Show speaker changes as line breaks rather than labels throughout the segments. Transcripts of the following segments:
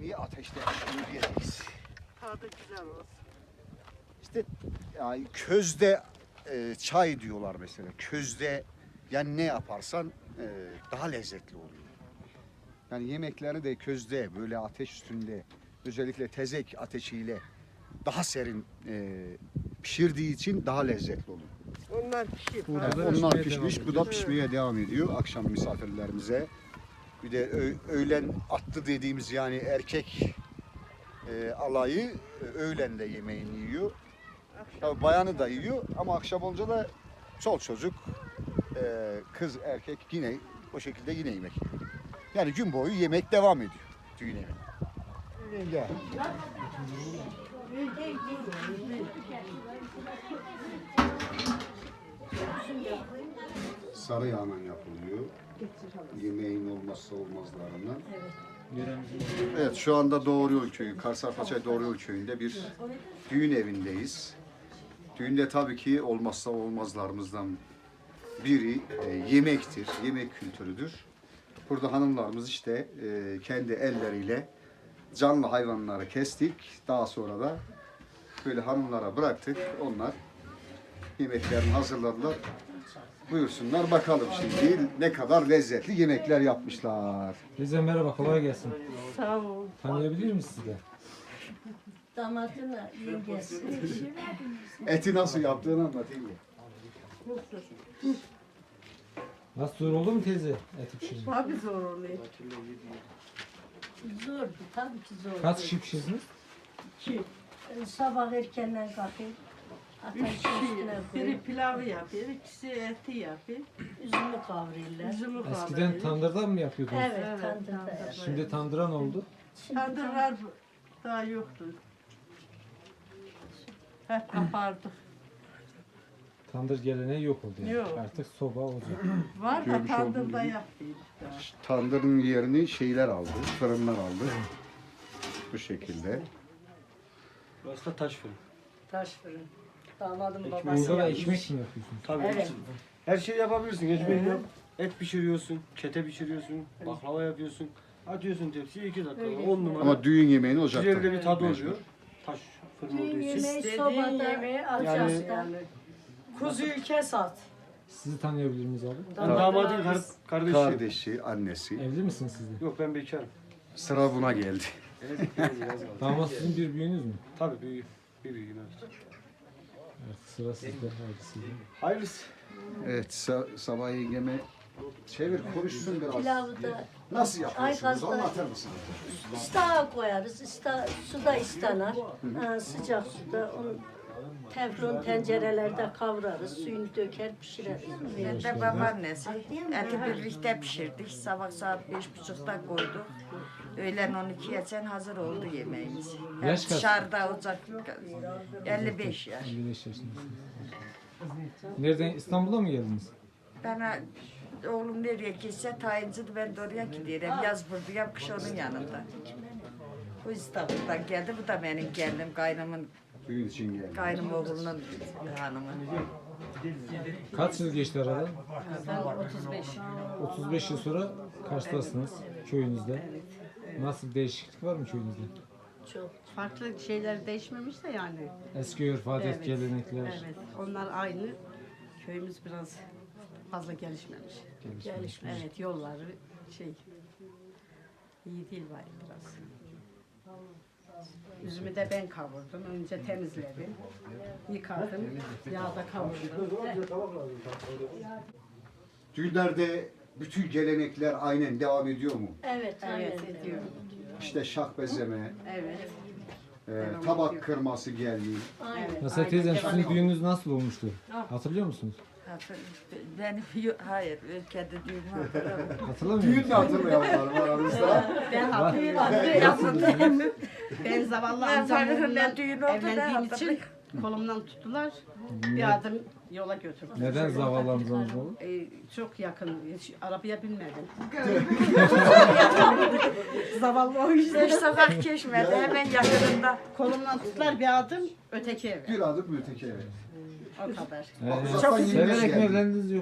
yemeği ateşte yiyeceğiz.
Tadı güzel olsun.
İşte yani közde çay diyorlar mesela. Közde yani ne yaparsan daha lezzetli oluyor. Yani yemekleri de közde böyle ateş üstünde özellikle tezek ateşiyle daha serin pişirdiği için daha lezzetli oluyor.
Onlar pişir.
Evet, onlar pişmiş, bu da pişmeye devam ediyor akşam misafirlerimize. Bir de öğlen attı dediğimiz yani erkek alayı öğlen de yemeğini yiyor. Tabii bayanı da yiyor ama akşam olunca da çoluk çocuk, kız erkek yine o şekilde yine yemek yiyor. Yani gün boyu yemek devam ediyor. Düğün yemeği. Gel. Sarı yağla yapılıyor. Yemeğin olmazsa olmazlarından. Evet, şu anda Doğru Yol Köyü, Karsarpaçay Doğru Yol Köyü'nde bir düğün evindeyiz. Düğünde tabii ki olmazsa olmazlarımızdan biri yemektir, yemek kültürüdür. Burada hanımlarımız işte kendi elleriyle canlı hayvanları kestik. Daha sonra da böyle hanımlara bıraktık. Onlar yemeklerini hazırladılar. Buyursunlar bakalım şimdi ne kadar lezzetli yemekler yapmışlar.
Teyze merhaba, kolay gelsin.
Sağ ol.
Tanıyabilir miyiz sizi de?
Damatına yengesi.
Eti nasıl yaptığını anlatayım mı?
Nasıl zor oldu mu teyze eti pişirmek?
Tabii zor oluyor.
Zor, tabii ki zor.
Kaç kişi pişirdiniz?
Sabah erkenden kalkayım.
Üç
Ateşin üstüne
kişi. Biri
koyup
pilavı yapıyor, ikisi eti yapıyor.
üzümü kavrayırlar.
Üzümü
Eskiden
kavuruyor.
tandırdan mı yapıyordunuz?
Evet,
Evet,
tandırda
tandırda.
yapar.
Şimdi tandıran oldu.
Tandırlar daha yoktu. Hep kapardık.
Tandır geleneği yok oldu yani.
Yok.
Artık soba olacak.
Var da
Görmüş olduğunuz
tandırda
gibi.
yapıyoruz daha.
Tandırın yerini şeyler aldı, fırınlar aldı. Bu şekilde.
Burası da taş fırın.
Taş fırın. Damadım
Ekmeği
babası
Burada da
yapmış.
ekmek mi yapıyorsunuz?
Tabii.
Evet.
Her şeyi yapabilirsin. Ekmek yap. Et pişiriyorsun, kete pişiriyorsun, baklava yapıyorsun. Atıyorsun tepsiye 2 dakika.
Öyle.
10 numara.
Ama düğün yemeğini ocakta.
Güzel de bir tadı
mecbur.
oluyor. Taş fırın olduğu
Düğün
için.
yemeği
İstediğin
sobada,
yemeği
ocakta.
Kuzuyu kes at.
Sizi tanıyabilir miyiz abi?
Ben damadın kardeşi.
Kardeşi, annesi.
Evli misiniz siz de?
Yok ben bekarım.
Sıra buna geldi.
Evet, biraz kaldı.
Damat sizin bir büyüğünüz mü?
Tabii büyüğüm. Bir büyüğüm evet.
Artık sıra sizde. Haydi sizde.
Hayırlısı.
Evet, sabah yengeme çevir, konuşsun biraz.
Pilavı da
Nasıl yapıyorsunuz?
Ayvazda-
Anlatır mısınız?
istağa koyarız. Suda istanar. Sıcak suda onu teflon tencerelerde kavrarız. Suyunu döker pişireriz.
Ben de babaannesi. Eti birlikte pişirdik. Sabah saat 5.30'da koyduk. Öğlen 12'ye geçen hazır oldu yemeğimiz. Hep
Yaş kaç?
dışarıda ocak 55 yaş.
55 yaşındasınız. Nereden? İstanbul'a mı geldiniz?
Bana oğlum nereye gitse tayincidir, ben de oraya gidiyorum. Yaz buradayım, kış onun yanında. Bu İstanbul'dan geldi. Bu da benim gelinim, kaynımın,
Düğün için geldi.
kaynım oğlunun hanımı.
Kaç yıl geçti aradan?
Ben 35.
35 yıl sonra Kars'tasınız köyünüzde. Nasıl bir değişiklik var mı köyünüzde?
Çok.
Farklı şeyler değişmemiş de yani.
Eski örf, adet,
Evet.
gelenekler.
Evet. Onlar aynı. Köyümüz biraz fazla gelişmemiş.
Gelişmemiş.
Evet, yolları şey iyi değil var biraz. Üzümü de ben kavurdum. Önce temizledim. Yıkadım. Yağda kavurdum.
Düğünlerde bütün gelenekler aynen devam ediyor mu?
Evet, aynen.
Evet, ediyorum.
İşte şah bezeme,
Evet.
tabak kırması geldi.
Aynen.
Mesela teyzem sizin düğününüz nasıl olmuştu? Hatırlıyor musunuz?
Benim, hayır, kendi düğünümü hatırlamıyorum.
Hatırlamıyor
Düğün de
musunuz?
hatırlayanlar var aramızda.
Ben hatırlıyorum. Ben zavallı
Ben sanırım
amcamla
ne düğün oldu, ne
evlendiğim için
hatırlıyorum.
kolumdan tuttular. Bir adım yola götürdüler.
Neden zavallı amcanız oldu?
Çok yakın, hiç arabaya binmedim. Zavallı o yüzden.
5 sokak geçmedi, hemen yakınında.
Kolumdan tuttular bir adım öteki eve.
Bir adım öteki eve.
O kadar.
Çok
Uzaktan
severek mi
geldi.
evlendiniz yoksa?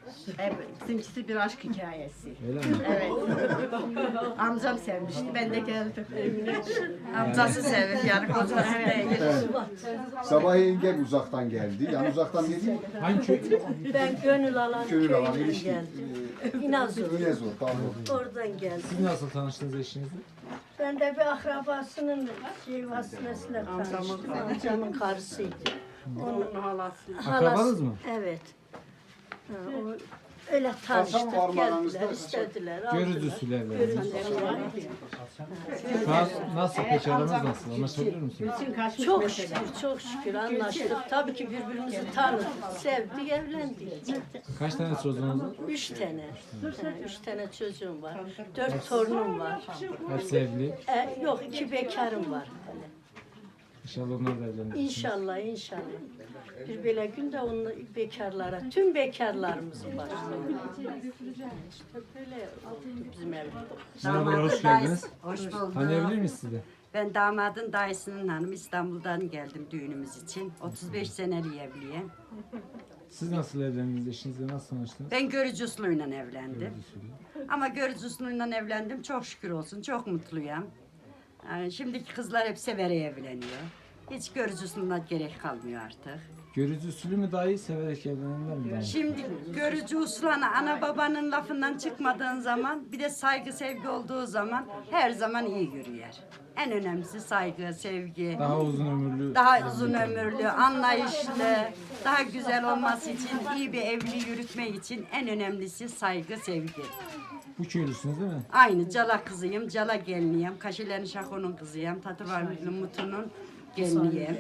Evet, bizimkisi bir aşk hikayesi.
Öyle mi?
Evet. Amcam sevmişti, ben de geldim.
Amcası sevir yani kocası değil.
Sabahleyin gel uzaktan geldi. Yani uzaktan dedi.
Hangi köy?
Ben Gönül Alan
Gönül alan
köyünden
ilişki.
geldim. İnazur.
Yine zor. Tamam.
Oradan geldim.
Siz nasıl tanıştınız eşinizle?
Ben de bir akrabasının vasıtasıyla tanıştım. Amcamın karısıydı.
Onun halası.
Akrabanız mı?
Evet. Ha, o, öyle tanıştık,
var mı aranızda?
geldiler, istediler.
Görücü
aldılar.
usulü evlendiniz.
Görücü usulü.
Şu an nasıl peki aranız nasıl? Anlaşabiliyor musunuz?
Bütün kaçmış
Çok
mesela.
şükür, çok şükür anlaştık. Tabii ki birbirimizi tanıdık, sevdik, evlendik.
Kaç tane çocuğunuz var?
3 tane. Ha, 3 tane çocuğum var. 4 torunum var.
Hepsi evli.
Yok, 2 bekarım var. Hani.
İnşallah onlar da evlenir.
İnşallah, inşallah. Bir böyle günde onu bekarlara, tüm bekarlarımızı başlıyor. İşte böyle oldu bizim evde.
Merhabalar, hoş geldiniz.
Hoş bulduk.
Tanıyabilir miyiz sizi?
Ben damadın dayısının hanımı, İstanbul'dan geldim düğünümüz için. 35 seneli evliyim.
Siz nasıl evlendiniz? Eşinizle nasıl tanıştınız?
Ben görücü usulüyle evlendim.
Görücü usulü.
Ama görücü usulüyle evlendim. Çok şükür olsun. Çok mutluyum. Yani şimdiki kızlar hep severek evleniyor. Hiç görücü usulüne gerek kalmıyor artık.
Görücü usulü mü daha iyi, severek evlenenler mi daha iyi?
Şimdi görücü usulüne ana babanın lafından çıkmadığın zaman, bir de saygı sevgi olduğu zaman her zaman iyi yürüyor. En önemlisi saygı, sevgi.
Daha uzun ömürlü.
Daha uzun ömürlü, anlayışlı, daha güzel olması için, iyi bir evliliği yürütmek için en önemlisi saygı, sevgi.
Bu köylüsünüz değil mi?
Aynı Cala kızıyım, Cala geliniyim, Kaşilerin Şako'nun kızıyım, Tatıvarlı'nın Mutu'nun geliniyim.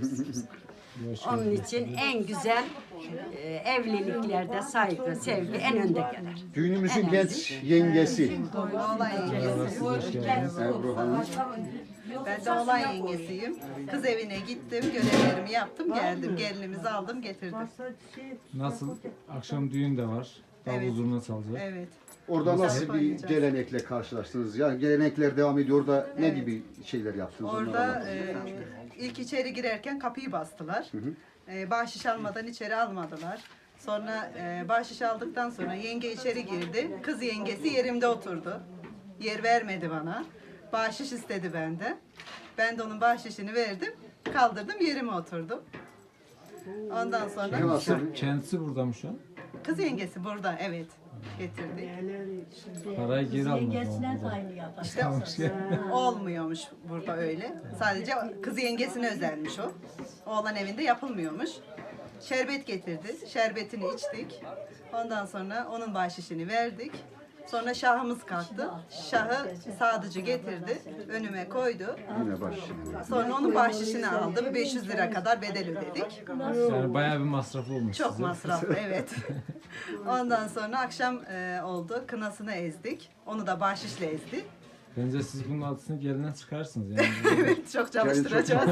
Hoş
Onun
geldiniz.
için en güzel evliliklerde saygı, sevgi en önde gelir.
Düğünümüzün genç yengesi.
Merhaba, siz hoş geldiniz.
Ebru Hanım.
Ben de oğlan yengesiyim. Kız evine gittim, görevlerimi yaptım, geldim. Gelinimizi aldım, getirdim.
Nasıl? Akşam düğün de var. Davul
Evet.
zurna çalacak.
Evet.
Orada nasıl bir gelenekle karşılaştınız? Yani gelenekler devam ediyor. Orada ne gibi şeyler yaptınız? Onları
Orada
anlatın.
ilk içeri girerken kapıyı bastılar. Bahşiş almadan içeri almadılar. Sonra bahşiş aldıktan sonra yenge içeri girdi. Kız yengesi yerimde oturdu. Yer vermedi bana. Bahşiş istedi benden. Ben de onun bahşişini verdim. Kaldırdım, yerime oturdum. Ondan sonra
Nasıl?
Kendisi burada mı şu an?
kız yengesi burada, evet. Getirdik.
Parayı geri almadı.
Yengesine de
ama.
aynı yapar.
İşte olmuyormuş burada öyle. Sadece kız yengesine özelmiş o. Oğlan evinde yapılmıyormuş. Şerbet getirdi. Şerbetini içtik. Ondan sonra onun bahşişini verdik. Sonra şahımız kalktı. Şahı sadıcı getirdi. Önüme koydu.
Yine baş.
Sonra onun bahşişini aldım. 500 lira kadar bedel ödedik.
Yani bayağı bir masrafı olmuş
Çok
size.
masraflı, evet. Ondan sonra akşam oldu. Kınasını ezdik. Onu da bahşişle ezdi.
Bence siz bunun altısını gelinden çıkarsınız. Yani.
Evet, çok çalıştıracağız.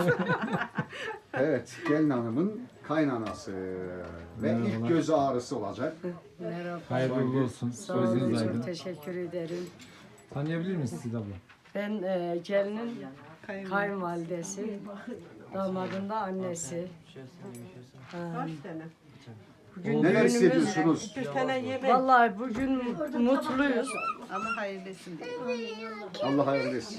Evet, gelin hanımın kaynanası ve ilk
Merhabalar.
göz ağrısı olacak.
Hayırlı uğurlu olsun. Gözünüz aydın.
Teşekkür ederim.
Tanıyabilir miyiz siz abla?
Ben gelinin kayınvalidesi, damadın da annesi. Bugün
Neler
düğünümüz.
hissediyorsunuz?
Bir tane yemek.
Vallahi bugün mutluyuz.
Ama hayırlısın diye.
Allah hayırlı etsin.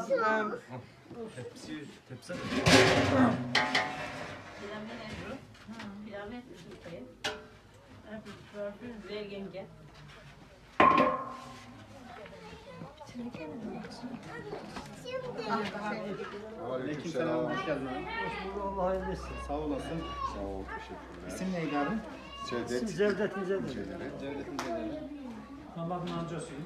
Aleykümselam.
Allah hayırlı etsin. Sağ olasın.
Sağ ol, teşekkürler.
İsim neydi abi?
Cevdet.
Cevdet Cevdet.
Cevdet.
Allah'ın amcasıyım.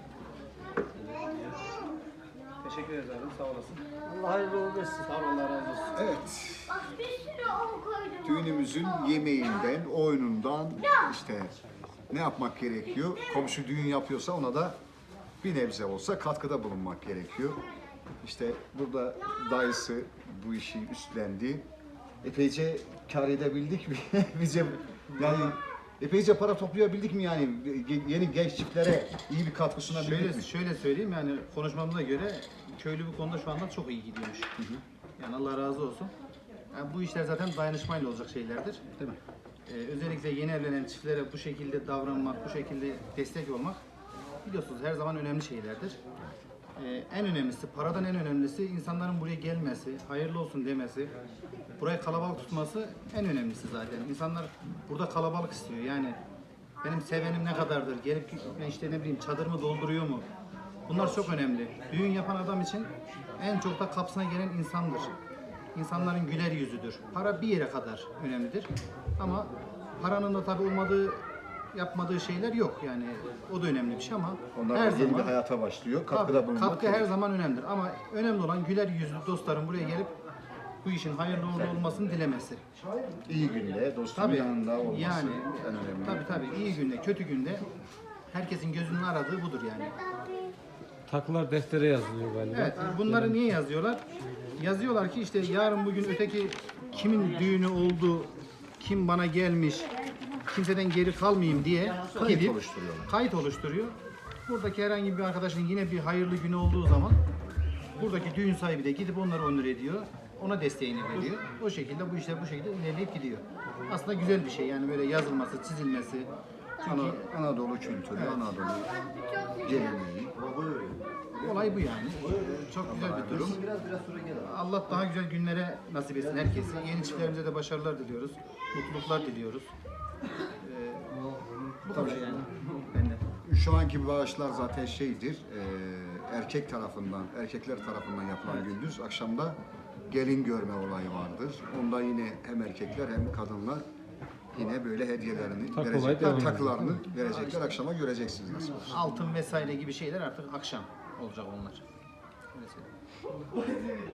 Teşekkür ederim. Sağ olasın. Allah hayırlı uğurlu etsin. Sağ ol. Allah razı olsun.
Evet. Düğünümüzün yemeğinden, oyunundan işte ne yapmak gerekiyor? Komşu düğün yapıyorsa ona da bir nebze olsa katkıda bulunmak gerekiyor. İşte burada dayısı bu işi üstlendi. Epeyce kar edebildik mi? Bize yani epeyce para toplayabildik mi yani? Yeni genç çiftlere iyi bir katkı sunabildik mi?
Şöyle söyleyeyim yani konuşmamıza göre köylü bu konuda şu anda çok iyi gidiyormuş. Yani Allah razı olsun. Yani bu işler zaten dayanışmayla olacak şeylerdir.
Değil mi?
özellikle yeni evlenen çiftlere bu şekilde davranmak, bu şekilde destek olmak biliyorsunuz her zaman önemli şeylerdir. En önemlisi, paradan en önemlisi insanların buraya gelmesi, hayırlı olsun demesi, burayı kalabalık tutması en önemlisi zaten. İnsanlar burada kalabalık istiyor. Yani benim sevenim ne kadardır, gelip işte ne bileyim çadırımı dolduruyor mu? Bunlar çok önemli. Düğün yapan adam için en çok da kapısına gelen insandır. İnsanların güler yüzüdür. Para bir yere kadar önemlidir. Ama paranın da tabii yapmadığı şeyler yok yani. O da önemli bir şey ama
Onlar
her
yeni bir
zaman
hayata başlıyor.
tabii,
Katkıda bulunmak.
katkı her zaman önemlidir. Ama önemli olan güler yüzlü dostların buraya gelip bu işin hayırlı uğurlu olmasını dilemesi.
İyi günde dostun
Tabii,
yanında olması
yani,
en önemli.
Tabii iyi günde, kötü günde herkesin gözünün aradığı budur yani.
Takılar deftere yazılıyor galiba.
Evet, bunları niye yazıyorlar? Yazıyorlar ki işte yarın bugün öteki kimin düğünü oldu, kim bana gelmiş, kimseden geri kalmayayım diye
Kayıt oluşturuyorlar.
Kayıt oluşturuyor. Buradaki herhangi bir arkadaşın yine bir hayırlı günü olduğu zaman buradaki düğün sahibi de gidip onları onur ediyor. Ona desteğini veriyor. O şekilde bu işler bu şekilde ilerleyip gidiyor. Aslında güzel bir şey yani böyle yazılması, çizilmesi. Çünkü
Anadolu kültürü, Anadolu geleneği.
olay bu yani. Çok güzel bir durum. Allah daha güzel günlere nasip etsin herkese. Yeni çiftlerimize de başarılar diliyoruz. Mutluluklar diliyoruz. Bu kadar yani. Benden.
Şu anki bağışlar zaten şeydir, erkekler tarafından yapılan gündüz, akşamda gelin görme olayı vardır. Onda yine hem erkekler hem kadınlar yine böyle hediyelerini
Takı
verecekler,
olayı
takılarını verecekler, akşama göreceksiniz nasıl olsa.
Altın vesaire gibi şeyler artık akşam olacak onlar. Öyle söyleyeyim.